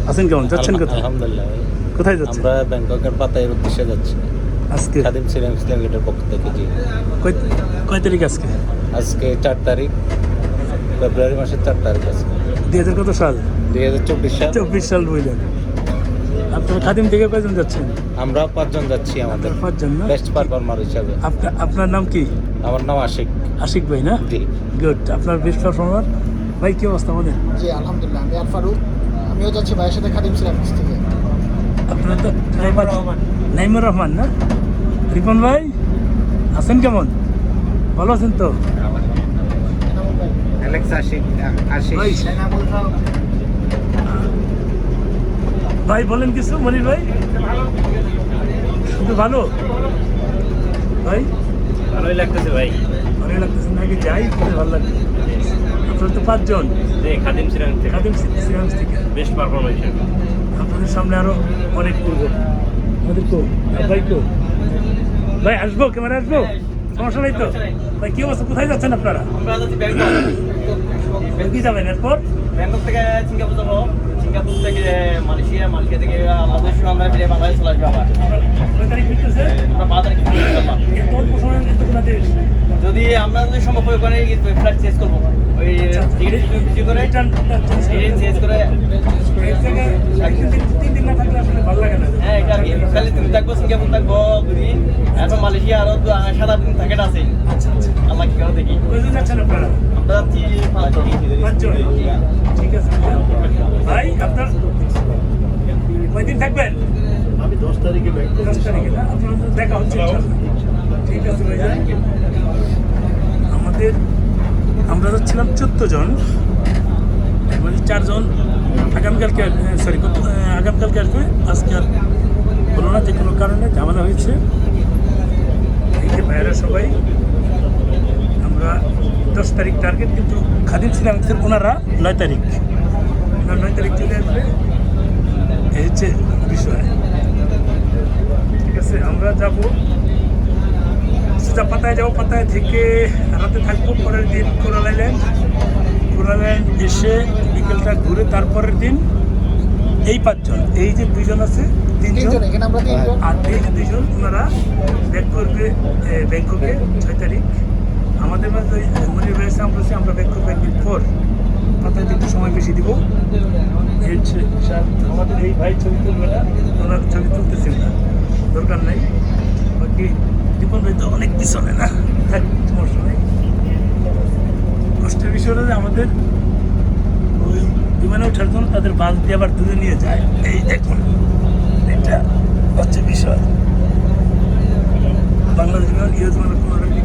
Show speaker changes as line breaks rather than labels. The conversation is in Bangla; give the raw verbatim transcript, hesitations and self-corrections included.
আছেন কেমন? যাচ্ছেন কোথায়?
আলহামদুলিল্লাহ।
কোথায় যাচ্ছেন?
আমরা ব্যাংককের পাতায়ের উদ্দেশ্যে যাচ্ছি
আজকে
খাদিম সিরাম ইসলাম গেটের পক্ষ থেকে। জি,
কয় কয় তারিখ আজকে?
আজকে চার তারিখ ফেব্রুয়ারি মাসের চার তারিখ আজকে
দুই হাজার কত সাল?
দুই হাজার চব্বিশ সাল।
চব্বিশ সাল বললেন। আপনার খাদিম থেকে কয়জন যাচ্ছেন?
আমরা পাঁচজন যাচ্ছি আমাদের
আপনার পাঁচজন না?
বেস্ট পারফর্মার হিসাবে।
আপনার আপনার নাম কি?
আমার নাম আশিক।
আশিক ভাই না?
জি,
গুড। আপনার বেস্ট পারফর্মার ভাই, কি অবস্থা আমাদের?
জি আলহামদুলিল্লাহ, আমি আর ফারুক, আমিও যাচ্ছি ভাইয়ের সাথে খাদিম সিরামিক্স থেকে।
আপনার তো নাইমুর রহমান না? রিপন ভাই আছেন কেমন? ভালো আছেন তো?
অ্যালেক্স আশিক আশিক
ভাই ভাই বলেন কিছু, মনির ভাই। শুধু ভালো ভাই?
ভালোই লাগতেছে ভাই।
ভালোই লাগতেছে নাকি? যাই ভালো লাগছে। আপনার তো পাঁচজন
যে খাদিম সিরাম থেকে
খাদিম সিরামিক্স থেকে
বেস্ট পারফরমেন্স।
আপনাদের সামনে আরো অনেক করব। আমাদের তো ভাই তো ভাই আসবো, ক্যামেরা আসবো, সমস্যা নেই তো ভাই। কি অবস্থা? কোথায় যাচ্ছেন আপনারা?
আমরা যাচ্ছি ব্যাংকক।
কি যাবেন এরপর?
ব্যাংকক থেকে সিঙ্গাপুর যাবো, সিঙ্গাপুর থেকে মালয়েশিয়া, মালয়েশিয়া থেকে আমাদের সঙ্গে আমরা ফিরে বাংলাদেশ চলে আসবো আবার।
কয় তারিখ ফিরতেছে?
আমরা পাঁচ তারিখ ফিরে ইনশাআল্লাহ।
এত অল্প সময়ের মধ্যে কোন দেশ?
যদি আমরা যদি সম্ভব হয় ওখানে ফ্লাইট চেঞ্জ করবো, ওই টিকিট কিছু করে
রিটার্ন
টিকিট চেঞ্জ করে।
এক জায়গায় একদিন তিন- তিন দিন না থাকলে আসলে ভালো লাগে না।
হ্যাঁ, এটা আর কি। খালি তুমি থাকবো, সিঙ্গাপুর থাকবো দুদিন, এখন মালয়েশিয়া আরো দু- সাত আট দিন থাকে আছে।
আচ্ছা আচ্ছা।
আল্লাহ কি করে দেখি।
কয়জন যাচ্ছেন আপনারা?
আমরা যাচ্ছি পাঁচজন।
পাঁচজন। ঠিক আছে ভাই। আপনার কয়দিন থাকবেন?
আমি দশ তারিখে ব্যাংক
দশ তারিখে না? আপনার সাথে দেখা হচ্ছে ইনশাআল্লাহ। ঠিক আছে ভাই। আমাদের আমরা যাচ্ছিলাম চোদ্দ জন, এর মধ্যে চারজন আগামীকালকে, সরি আগামীকালকে আসবে। আজকে আর হলো না, যে কোনো কারণে ঝামেলা হয়েছে। এই যে ভাইয়েরা সবাই, আমরা দশ তারিখ টার্গেট, কিন্তু খাদিম সিরামিক্সের ওনারা নয় তারিখ ওনারা নয় তারিখ চলে আসবে। এই হচ্ছে বিষয়। ঠিক আছে, আমরা যাব সোজা পাতায় যাবো। পাতায় থেকে রাতে থাকবো, পরের দিন কোরাল আইল্যান্ড। কোরাল আইল্যান্ড এসে বিকেলটা ঘুরে তারপরের দিন এই পাঁচজন, এই যে দুইজন আছে, তিনজন,
তিনজন, এখানে আমরা তিনজন।
আর এই যে দুইজন ওনারা ব্যাক করবে এ, ব্যাংককে ছয় তারিখ। আমাদের মাঝে মনে রয়েছে আমরা আছি, আমরা ব্যাক করবো একদিন পর। পাতায় একটু সময় বেশি দিব। এই হচ্ছে হিসাব। আমাদের এই ভাই ছবি তুলবে না, ওনার ছবি তুলতেছেন না, দরকার নাই। বাকি দীপন ভাই তো অনেক পিছনে না, থাক, সমস্যা নেই। কষ্টের বিষয় হলো যে আমাদের ওই বিমানে ওঠার জন্য তাদের বাস দিয়ে আবার দূরে নিয়ে যায়। এই দেখুন, এটা হচ্ছে বিষয়। বাংলাদেশ বিমান, ইউএস বিমান কোনো